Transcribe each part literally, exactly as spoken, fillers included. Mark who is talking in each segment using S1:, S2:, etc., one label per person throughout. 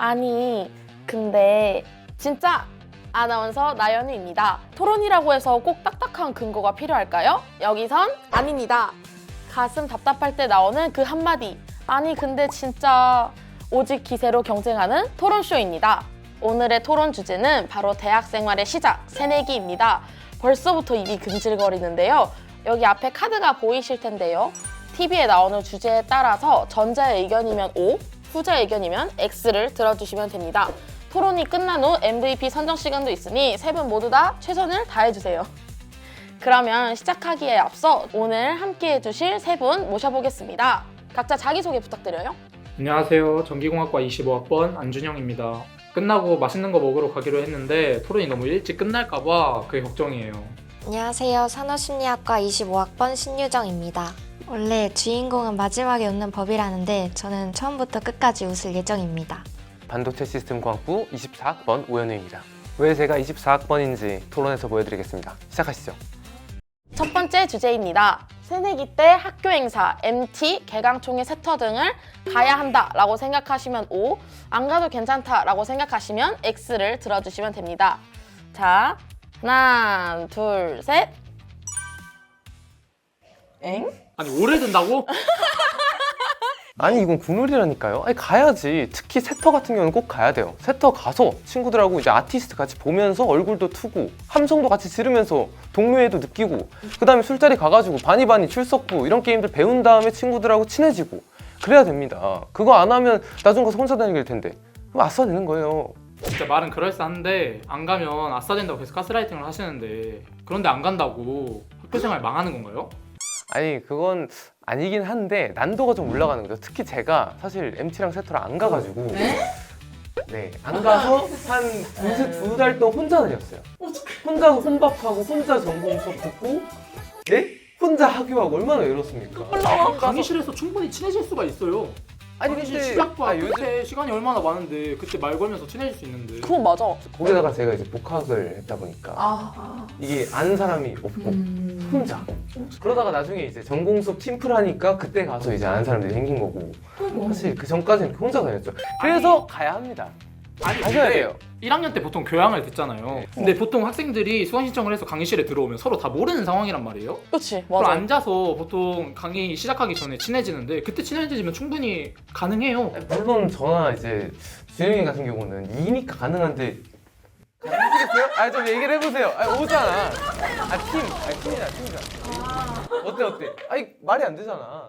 S1: 아니 근데 진짜 아나운서 나연우입니다. 토론이라고 해서 꼭 딱딱한 근거가 필요할까요? 여기선 아닙니다. 가슴 답답할 때 나오는 그 한마디. 아니 근데 진짜 오직 기세로 경쟁하는 토론쇼입니다. 오늘의 토론 주제는 바로 대학 생활의 시작, 새내기입니다. 벌써부터 입이 금질거리는데요. 여기 앞에 카드가 보이실 텐데요. 티비에 나오는 주제에 따라서 전자의 의견이면 O, 후자의 의견이면 X를 들어주시면 됩니다. 토론이 끝난 후 엠브이피 선정 시간도 있으니 세 분 모두 다 최선을 다해주세요. 그러면 시작하기에 앞서 오늘 함께 해주실 세 분 모셔보겠습니다. 각자 자기소개 부탁드려요.
S2: 안녕하세요. 전기공학과 이십오 학번 안준영입니다. 끝나고 맛있는 거 먹으러 가기로 했는데 토론이 너무 일찍 끝날까 봐 그게 걱정이에요.
S3: 안녕하세요. 산업심리학과 이십오 학번 신유정입니다. 원래 주인공은 마지막에 웃는 법이라는데 저는 처음부터 끝까지 웃을 예정입니다.
S4: 반도체 시스템공학부 이십사 학번 오현우입니다. 왜 제가 이십사 학번인지 토론에서 보여드리겠습니다. 시작하시죠.
S1: 첫 번째 주제입니다. 새내기 때 학교 행사, 엠티, 개강총회 세터 등을 가야 한다라고 생각하시면 O, 안 가도 괜찮다라고 생각하시면 X를 들어주시면 됩니다. 자, 하나, 둘, 셋. 엥?
S2: 아니 오래 든다고?
S4: 아니 이건 국룰이라니까요. 아니 가야지. 특히 세터 같은 경우는 꼭 가야 돼요. 세터 가서 친구들하고 이제 아티스트 같이 보면서 얼굴도 트고 함성도 같이 지르면서 동료애도 느끼고 그 다음에 술자리 가가지고 바니바니 출석부 이런 게임들 배운 다음에 친구들하고 친해지고 그래야 됩니다. 그거 안 하면 나중 가서 혼자 다니게 될 텐데 그럼 아싸 되는 거예요.
S2: 진짜 말은 그럴싸한데 안 가면 아싸 된다고 계속 가스라이팅을 하시는데 그런데 안 간다고 학교생활 망하는 건가요?
S4: 아니 그건 아니긴 한데 난도가 좀 올라가는 거죠. 특히 제가 사실 엠티랑 세터를 안 가가지고
S1: 네?
S4: 네, 안 가서 한 두 달 동안 혼자 다녔어요. 혼자 혼밥하고 혼자 전공 수업 듣고 네? 혼자 학교하고 얼마나 외롭습니까?
S2: 강의실에서 충분히 친해질 수가 있어요.
S4: 아니
S2: 근데
S4: 근데
S2: 시작과
S4: 아, 요즘
S2: 끝에 시간이 얼마나 많은데 그때 말 걸면서 친해질 수 있는데
S1: 그건 맞아.
S4: 거기다가 제가 이제 복학을 했다 보니까
S1: 아,
S4: 이게 아는 사람이 없고 혼자 그러다가 나중에 이제 전공 수업 팀플하니까 그때 가서 이제 아는 사람들이 생긴 거고 사실 그 전까지는 혼자 다녔죠. 그래서 가야 합니다.
S2: 아니
S4: 가셔야
S2: 근데
S4: 돼요.
S2: 일 학년 때 보통 교양을 듣잖아요.
S4: 네.
S2: 근데 보통 학생들이 수강 신청을 해서 강의실에 들어오면 서로 다 모르는 상황이란 말이에요.
S1: 그렇지,
S2: 그럼
S1: 맞아.
S2: 앉아서 보통 강의 시작하기 전에 친해지는데 그때 친해지면 충분히 가능해요.
S4: 물론 저나 이제 준영이 같은 경우는 이니까 가능한데 가능하시겠어요? 아좀 얘기를 해보세요. 아 오잖아. 아팀 아니 팀이야 팀이야. 어때 어때? 아니 말이 안 되잖아.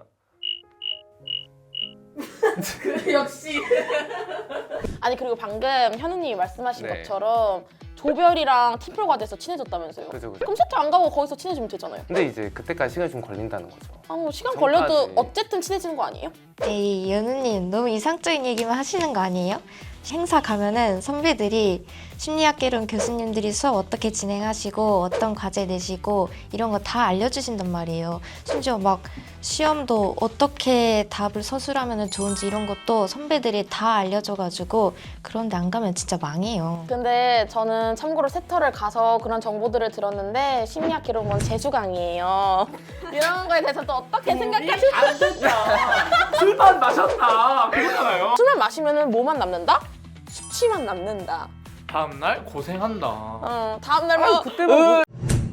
S1: 역시. 아니 그리고 방금 현우님이 말씀하신
S4: 네.
S1: 것처럼 조별이랑 팀플과 돼서 친해졌다면서요.
S4: 그죠 그죠.
S1: 그럼 세트 안 가고 거기서 친해지면 되잖아요.
S4: 근데 이제 그때까지 시간이 좀 걸린다는 거죠.
S1: 아, 뭐 시간
S4: 전까지.
S1: 걸려도 어쨌든 친해지는 거 아니에요?
S3: 에이, 연우님 너무 이상적인 얘기만 하시는 거 아니에요? 행사 가면은 선배들이 심리학개론 교수님들이 수업 어떻게 진행하시고 어떤 과제 내시고 이런 거 다 알려주신단 말이에요. 심지어 막 시험도 어떻게 답을 서술하면 좋은지 이런 것도 선배들이 다 알려줘가지고 그런데 안 가면 진짜 망해요.
S1: 근데 저는 참고로 세터를 가서 그런 정보들을 들었는데 심리학 기록은 재수강이에요. 이런 거에 대해서 또 어떻게 생각하시나요?
S2: 안 된다. 술만 마셨다. 그거잖아요.
S1: 술만 마시면 뭐만 남는다? 수치만 남는다.
S2: 다음날 고생한다.
S1: 어, 다음 날만
S4: 그때 뭐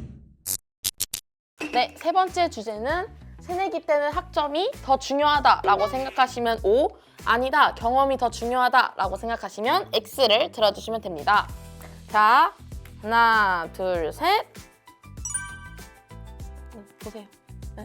S1: 네, 세 번째 주제는 새내기 때는 학점이 더 중요하다라고 생각하시면 O, 아니다, 경험이 더 중요하다라고 생각하시면 X를 들어주시면 됩니다. 자, 하나, 둘, 셋. 보세요. 네.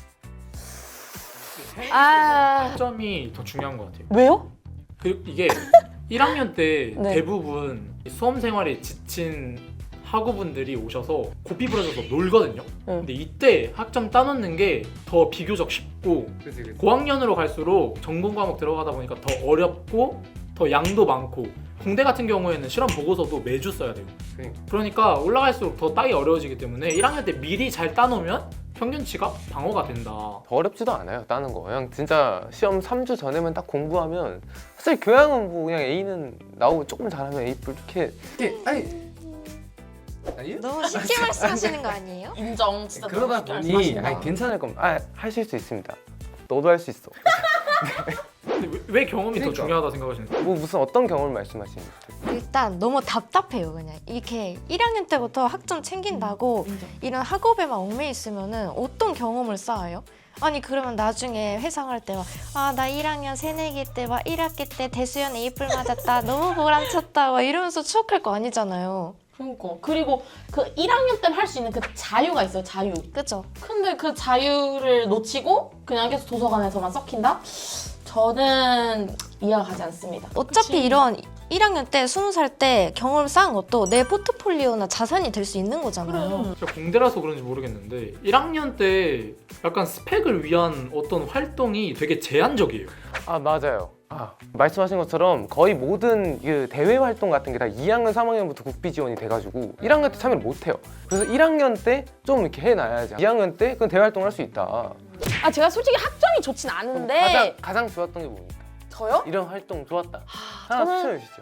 S1: 아,
S2: 학점이 더 중요한 것 같아요.
S1: 왜요?
S2: 그 이게 일 학년 때
S1: 네.
S2: 대부분 수험 생활에 지친 학우분들이 오셔서 고삐 부러져서 놀거든요.
S1: 응.
S2: 근데 이때 학점 따놓는 게 더 비교적 쉽고
S4: 그치 그치.
S2: 고학년으로 갈수록 전공 과목 들어가다 보니까 더 어렵고 더 양도 많고 공대 같은 경우에는 실험 보고서도 매주 써야 돼요.
S4: 그러니까.
S2: 그러니까 올라갈수록 더 따기 어려워지기 때문에 일 학년 때 미리 잘 따놓으면 평균치가 방어가 된다.
S4: 더 어렵지도 않아요 따는 거. 그냥 진짜 시험 삼 주 전에만 딱 공부하면 사실 교양은 뭐 그냥 A는 나오고 조금 잘하면 A 불 이렇게 이렇게 아니 아니요?
S3: 너무 쉽게 말씀하시는 거 아니에요?
S1: 인정. 진짜
S4: 그러다
S1: 너무 쉽게
S4: 보니
S1: 말씀하신다.
S4: 아니 괜찮을 겁니다. 아 하실 수 있습니다. 너도 할 수 있어.
S2: 근데 왜, 왜 경험이
S4: 그러니까.
S2: 더 중요하다 생각하시는 거예요?
S4: 뭐 무슨 어떤 경험을 말씀하시는 거예요?
S3: 일단 너무 답답해요. 그냥 이렇게 일 학년 때부터 학점 챙긴다고 이런 학업에만 얽매여 있으면은 어떤 경험을 쌓아요? 아니 그러면 나중에 회사 갈 때 막 아 나 일 학년 새내기 때 막 일 학기 때 대수연 A뿔 맞았다 너무 보람찼다 막 이러면서 추억할 거 아니잖아요.
S1: 그러니까 그리고 그 일 학년 때는 할 수 있는 그 자유가 있어요. 자유.
S3: 그죠?
S1: 근데 그 자유를 놓치고 그냥 계속 도서관에서만 썩힌다? 저는 이해가 가지 않습니다.
S3: 어차피
S1: 그치?
S3: 이런 일 학년 때 스무 살 때 경험을 쌓은 것도 내 포트폴리오나 자산이 될 수 있는 거잖아요.
S1: 그래.
S2: 제가 공대라서 그런지 모르겠는데 일 학년 때 약간 스펙을 위한 어떤 활동이 되게 제한적이에요.
S4: 아 맞아요. 아, 말씀하신 것처럼 거의 모든 그 대외 활동 같은 게 다 이 학년, 삼 학년부터 국비 지원이 돼가지고 일 학년 때 참여를 못 해요. 그래서 일 학년 때 좀 이렇게 해놔야지. 이 학년 때 그건 대외 활동을 할 수 있다.
S1: 아 제가 솔직히 학점이 좋진 않은데
S4: 가장 가장 좋았던 게 뭡니까?
S1: 저요?
S4: 이런 활동 좋았다.
S1: 아,
S4: 하나
S1: 저는
S4: 추천해 주시죠.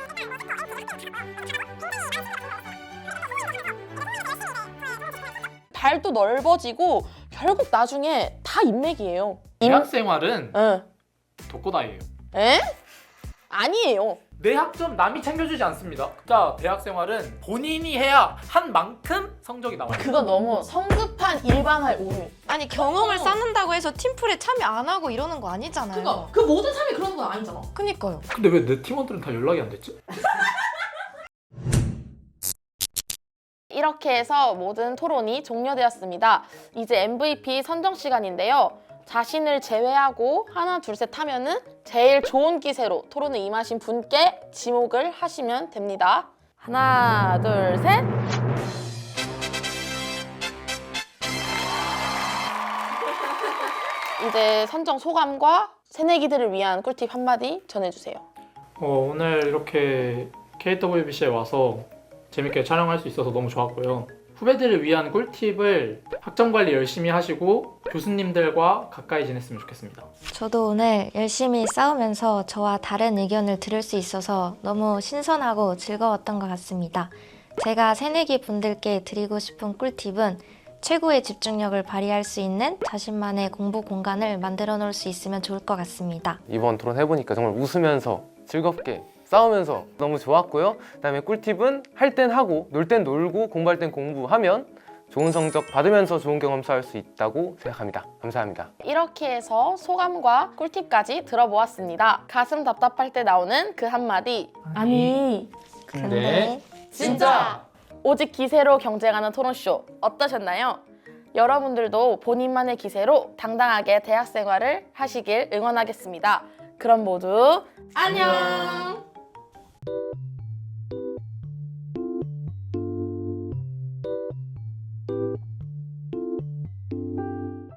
S1: 발도 넓어지고 결국 나중에 다 인맥이에요.
S2: 대학 생활은
S1: 응.
S2: 독고다이예요.
S1: 에? 아니에요.
S2: 내 학점 남이 챙겨주지 않습니다. 자, 대학 생활은 본인이 해야 한 만큼 성적이 나와요.
S1: 그거 너무 성급한 일반화의 오류.
S3: 아니 경험을
S1: 어.
S3: 쌓는다고 해서 팀플에 참여 안 하고 이러는 거 아니잖아요.
S1: 그거 그 모든 사람이 그런 건 아니잖아.
S3: 그니까요.
S2: 근데 왜 내 팀원들은 다 연락이 안 됐지?
S1: 이렇게 해서 모든 토론이 종료되었습니다. 이제 엠브이피 선정 시간인데요. 자신을 제외하고 하나 둘 셋 하면은 제일 좋은 기세로 토론에 임하신 분께 지목을 하시면 됩니다. 하나 둘 셋. 이제 선정 소감과 새내기들을 위한 꿀팁 한마디 전해주세요.
S2: 어, 오늘 이렇게 케이더블유비씨에 와서 재밌게 촬영할 수 있어서 너무 좋았고요. 후배들을 위한 꿀팁을 학점 관리 열심히 하시고 교수님들과 가까이 지냈으면 좋겠습니다.
S3: 저도 오늘 열심히 싸우면서 저와 다른 의견을 들을 수 있어서 너무 신선하고 즐거웠던 것 같습니다. 제가 새내기 분들께 드리고 싶은 꿀팁은 최고의 집중력을 발휘할 수 있는 자신만의 공부 공간을 만들어 놓을 수 있으면 좋을 것 같습니다.
S4: 이번 토론 해보니까 정말 웃으면서 즐겁게 싸우면서 너무 좋았고요. 그다음에 꿀팁은 할 땐 하고 놀 땐 놀고 공부할 땐 공부하면 좋은 성적 받으면서 좋은 경험 쌓을 수 있다고 생각합니다. 감사합니다.
S1: 이렇게 해서 소감과 꿀팁까지 들어보았습니다. 가슴 답답할 때 나오는 그 한마디. 아니,
S3: 근데
S1: 진짜! 오직 기세로 경쟁하는 토론쇼 어떠셨나요? 여러분들도 본인만의 기세로 당당하게 대학 생활을 하시길 응원하겠습니다. 그럼 모두 안녕!